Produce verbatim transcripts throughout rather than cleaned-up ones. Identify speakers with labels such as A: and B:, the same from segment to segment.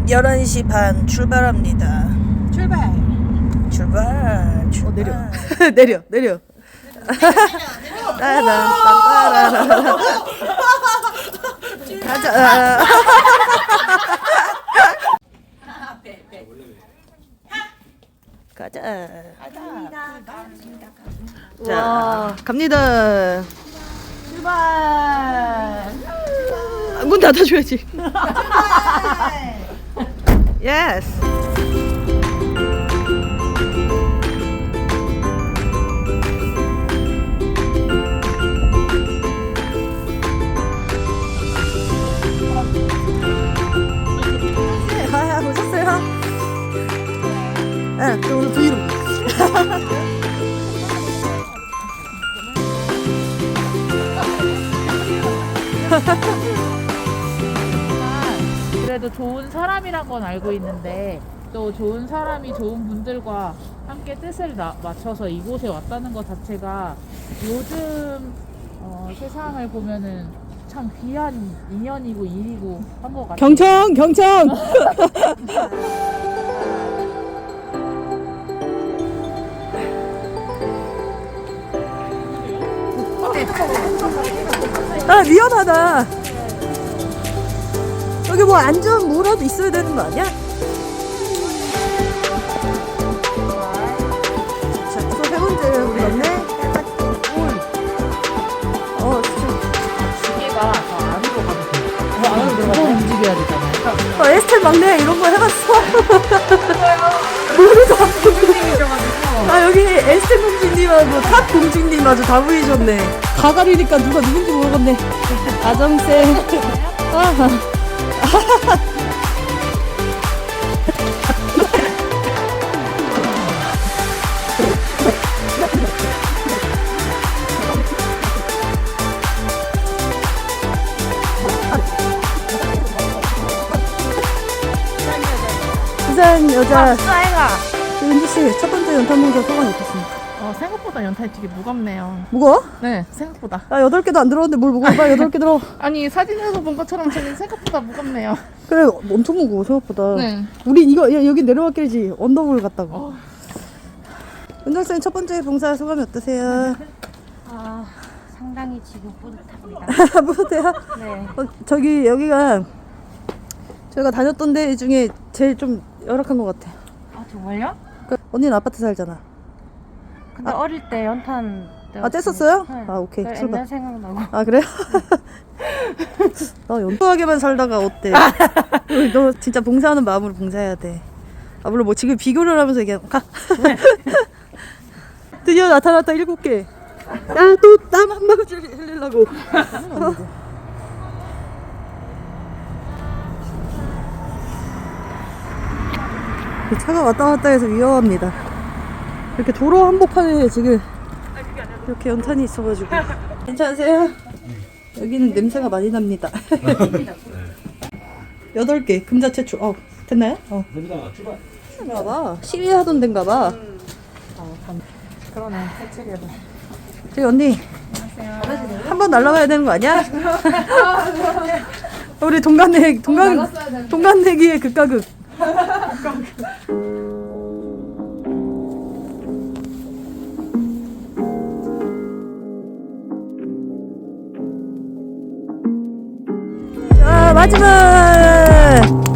A: 열한 시 반 출발합니다.
B: 출발.
A: 출발. 출발.
B: 어, 내려.
A: 내려, 내려. 따라라라라라. 가자. 가자. 자, 갑니다.
B: 출발.
A: 아, 문 닫아줘야지. 예스. 아, 오셨어요? 네, 저 오늘 브이로그.
C: 그래도 좋은 사람이란 건 알고 있는데 또 좋은 사람이 좋은 분들과 함께 뜻을 나- 맞춰서 이곳에 왔다는 것 자체가 요즘 어, 세상을 보면은 참 귀한 인연이고 일이고 한 것 같아요.
A: 경청, 경청. 아, 위험하다. 여기 뭐 안전 뭐라도 있어야 되는 거 아니야? 자, 또 세 번째 우리 맞네. 어, 진짜.
C: 기계가 더 안으로 가도 돼요. 더 안으로 들어가서 움직여야 되잖아요.
A: 어, 에스텔 막내 이런 거 해봤어. 모르죠. 아, 여기 에스텔 공주님하고 탑 공주님 아주 다 보이셨네. 가가리니까 누가 누군지 모르겠네. 아정쌤. 아하. 부산 여자 은지 씨 첫 번째 연탄 봉사 소감이 어떻습니까?
C: 어, 생각보다 연탄이 되게 무겁네요.
A: 무거워?
C: 네, 생각보다.
A: 아, 여덟 개도 안 들었는데 뭘 무거워? 빨리 여덟 개 들어.
C: 아니 사진에서 본 것처럼 저는 생각보다 무겁네요.
A: 그래, 엄청 무거워 생각보다.
C: 네.
A: 우리 이거 야, 여기 내려왔길지 언더볼 갔다고.
C: 어.
A: 은정쌤 첫 번째 봉사 소감이 어떠세요?
D: 아, 상당히 지금 뿌듯합니다.
A: 뿌듯해요?
D: 네.
A: 어, 저기 여기가 저희가 다녔던 데 중에 제일 좀 열악한 것 같아.
D: 아, 정말요?
A: 그, 언니는 아파트 살잖아.
D: 근데 어릴 때 연탄
A: 아, 뗐었어요?
D: 네.
A: 아, 오케이.
D: 그
A: 출발.
D: 옛날 생각나고.
A: 아, 그래요? 나 연투하게만 살다가 어때? 우리 너 진짜 봉사하는 마음으로 봉사해야 돼. 아, 물론 뭐 지금 비교를 하면서 얘기하면 가. 드디어 나타났다, 일곱 개. 야, 또 땀 한 방울 흘리려고. 이 차가 왔다 갔다 해서 위험합니다. 이렇게 도로 한복판에 지금 이렇게 연탄이 있어가지고. 괜찮으세요? 여기는 냄새가 많이 납니다. 여덟 개 금자 채출. 어, 됐나요? 어.
E: 됩니다. 출발.
A: 봐봐. 시위하던 데인가봐.
C: 그러네, 해체해도.
A: 저기 언니. 한 번 날라가야 되는 거 아니야? 우리 동간내 동간 동간내기의 극과 극. 자, 마지막.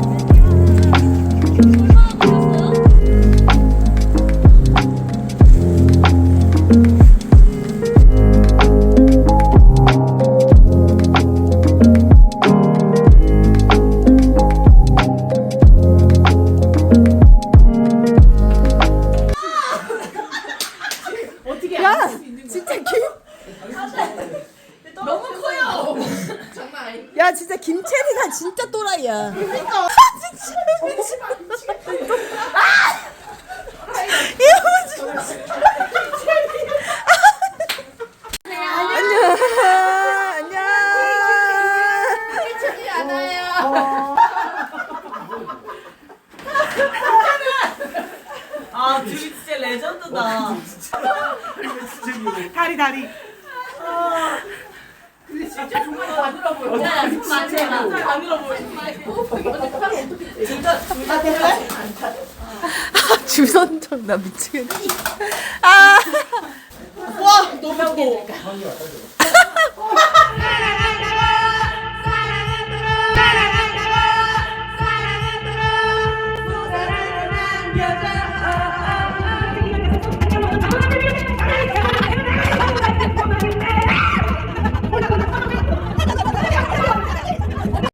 A: 야, 진짜 김. 너무 커요. 야, 진짜 김채리가 진짜 또라이야. 그러니까. 진짜 미치겠다. 아! 이거 진짜. 안녕. 안녕.
B: 괜찮지 않아요.
F: 아, 둘이 진짜 레전드다.
B: 다리 다리.
F: 근데 진짜 정말 가늘어 보여. 야, 손 많이 해라. 가늘어 보여. 진짜
A: 주선정 나 미치겠네. 아.
F: 와 너무 커.